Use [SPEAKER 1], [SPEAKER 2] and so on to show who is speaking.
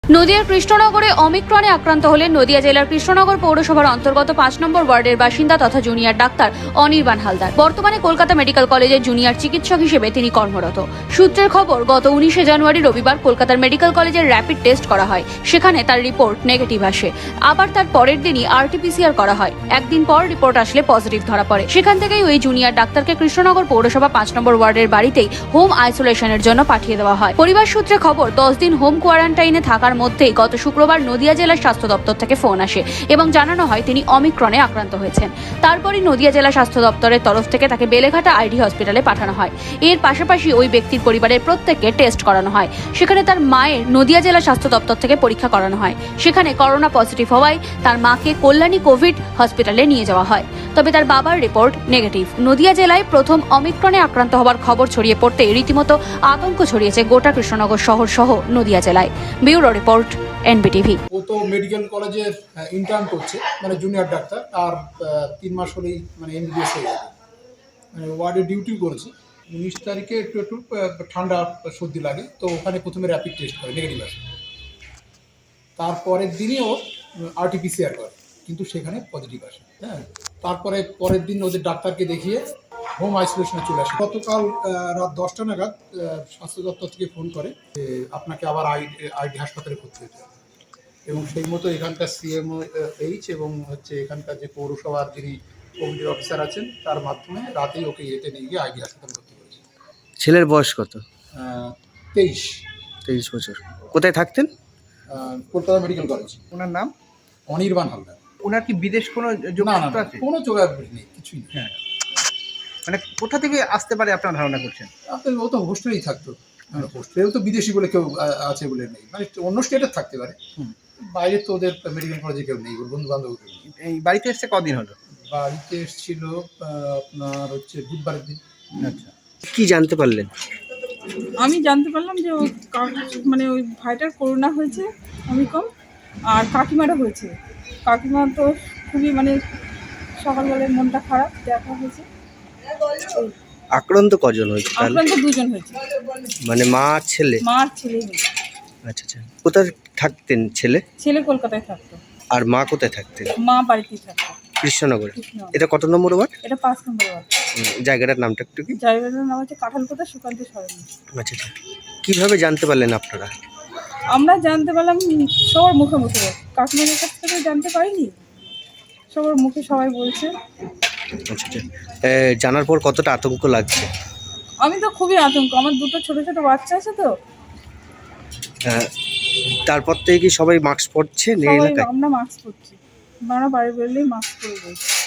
[SPEAKER 1] নদিয়ার কৃষ্ণনগরে অমিক্রণে আক্রান্ত হলেন নদিয়া জেলার কৃষ্ণনগর পৌরসভার অন্তর্গত ৫ নম্বর ওয়ার্ডের বাসিন্দা তথা জুনিয়র ডাক্তার অনির্বাণ হালদার। বর্তমানে কলকাতা মেডিকেল কলেজের জুনিয়র চিকিৎসক হিসেবে তিনি কর্মরত। সূত্রের খবর, গত ১৯শে জানুয়ারি রবিবার কলকাতার মেডিকেল কলেজের র্যাপিড টেস্ট করা হয়। সেখানে তার রিপোর্ট নেগেটিভ আসে। আবার তার পরের দিনই RT-PCR করা হয়। একদিন পর রিপোর্ট আসলে পজিটিভ ধরা পড়ে। সেখান থেকেই ওই জুনিয়র ডাক্তারকে কৃষ্ণনগর পৌরসভা ৫ নম্বর ওয়ার্ডের বাড়িতেই হোম আইসোলেশনের জন্য পাঠিয়ে দেওয়া হয়। পরিবার সূত্রে খবর, ১০ দিন হোম কোয়ারেন্টাইনে থাকার মধ্যেই গত শুক্রবার নদিয়া জেলা স্বাস্থ্য দপ্তর থেকে ফোন আসে এবং জানানো হয় তিনি অমিক্রণে আক্রান্ত হয়েছেন। তারপরই নদিয়া জেলা স্বাস্থ্য দপ্তরের তরফ থেকে তাকে বেলেঘাটা ID হসপিটালে পাঠানো হয়। এর পাশাপাশি ওই ব্যক্তির পরিবারের প্রত্যেককে টেস্ট করানো হয়। সেখানে তার মায়ের নদিয়া জেলা স্বাস্থ্য দপ্তর থেকে পরীক্ষা করানো হয়। সেখানে করোনা পজিটিভ হওয়ায় তার মাকে কল্যাণী কোভিড হসপিটালে নিয়ে যাওয়া হয়। তবে তার বাবার রিপোর্ট নেগেটিভ। নদিয়া জেলায় প্রথম অমিক্রণে আক্রান্ত হওয়ার খবর ছড়িয়ে পড়তে রীতিমতো আতঙ্ক ছড়িয়েছে গোটা কৃষ্ণনগর শহর সহ নদিয়া জেলায়। Bureau report, NBTV।
[SPEAKER 2] ও তো মেডিকেল কলেজের ইন্টার্ন করছে, মানে জুনিয়র ডাক্তার। আর 3 মাস হলেই মানে MBBS হয়ে যাবে, মানে ওয়ার্ডে ডিউটি করেছে। 19 তারিখে একটু ঠান্ডা সর্দি লাগে, তো ওখানে প্রথমে র্যাপিড টেস্ট করে, নেগেটিভ আসে। তারপরের দিনই ও RT-PCR করে, কিন্তু সেখানে পজিটিভ আসে। হ্যাঁ, তারপরে পরের দিন ওদের ডাক্তারকে দেখিয়ে হোম আইসোলেশনে চলে আসে। গতকাল রাত 10টা নাগাদ স্বাস্থ্য দপ্তর থেকে ফোন করে যে আপনাকে আবার ID হাসপাতালে ভর্তি হতে হবে। এবং সেই মতো এখানকার CMOH এবং এখানকার যে পৌরসভার যিনি কমিটির অফিসার আছেন তার মাধ্যমে রাতেই ওকে নিয়ে গিয়ে ID হাসপাতালে ভর্তি করেছে।
[SPEAKER 3] ছেলের বয়স কত?
[SPEAKER 2] 23
[SPEAKER 3] বছর। কোথায় থাকতেন?
[SPEAKER 2] Kolkata medical college.
[SPEAKER 4] ওনার নাম
[SPEAKER 2] অনির্বাণ হালদার।
[SPEAKER 4] ওনার কি বিদেশ কোনো
[SPEAKER 2] না না
[SPEAKER 4] যোগাযোগ
[SPEAKER 2] না,
[SPEAKER 4] আছে?
[SPEAKER 2] কোনো যোগাযোগ নেই, কিছুই নেই।
[SPEAKER 4] হ্যাঁ, মানে কোথা থেকে আসতে পারে আপনার ধারণা করছেন?
[SPEAKER 2] আপনার ও তো হোস্টেলেই থাকতো। হোস্টেলেও তো বিদেশি বলে কেউ আছে বলে নেই, মানে অন্য স্টেটের থাকতে পারে। বাইরে তো ওদের মেডিকেল কলেজে কেউ নেই, ওর বন্ধু বান্ধব কেউ নেই।
[SPEAKER 4] এই বাড়িতে এসছে কদিন হলো?
[SPEAKER 2] বাড়িতে এসেছিল আপনার বুধবারের দিন।
[SPEAKER 4] আচ্ছা,
[SPEAKER 3] কি জানতে পারলেন?
[SPEAKER 5] আমি জানতে পারলাম যে মানে ওই ভাইটার করোনা হয়েছে অমিক্রণ, আর কাকিমারও হয়েছে। কাকিমা তো খুবই মানে সকালবেলায় মনটা খারাপ, দেখা হয়েছে।
[SPEAKER 3] আক্রান্ত কজন হয়েছে তাহলে?
[SPEAKER 5] আক্রান্ত 2 জন হয়েছে,
[SPEAKER 3] মানে মা আর ছেলে?
[SPEAKER 5] মা আর ছেলেই হয়েছে।
[SPEAKER 3] আচ্ছা আচ্ছা। কোথায় থাকতেন ছেলে?
[SPEAKER 5] ছেলে কলকাতায় থাকতো,
[SPEAKER 3] আর মা কোথায় থাকতেন?
[SPEAKER 5] মা বাড়িতেই থাকতো
[SPEAKER 3] কৃষ্ণনগরে।
[SPEAKER 5] কৃষ্ণনগর।
[SPEAKER 3] এটা কত নম্বর ওয়ার্ড?
[SPEAKER 5] এটা 5 নম্বর ওয়ার্ড।
[SPEAKER 3] জায়গাটার নামটা একটু কি?
[SPEAKER 5] জায়গাটার নাম হচ্ছে কাঁঠালকোটা সুকান্ত সরণি।
[SPEAKER 3] আচ্ছা আচ্ছা। কিভাবে জানতে পারলেন আপনারা?
[SPEAKER 5] আমরা জানতে পারলাম সবার মুখে মুখে, কাকিমাদের কাছ থেকে জানতে পারিনি, সবার মুখে সবাই বলছে।
[SPEAKER 3] আচ্ছা আচ্ছা। জানার পর কতটা আতঙ্ক লাগছে?
[SPEAKER 5] আমি তো খুবই আতঙ্ক, আমার 2টো ছোট ছোট বাচ্চা আছে তো।
[SPEAKER 3] তারপর থেকে কি সবাই মাস্ক পরছে
[SPEAKER 5] সবাই
[SPEAKER 3] এলাকায়?
[SPEAKER 5] আমরা মাস্ক পরছি, আমরা বাড়ি বেরোলেই মাস্ক পরে যাই।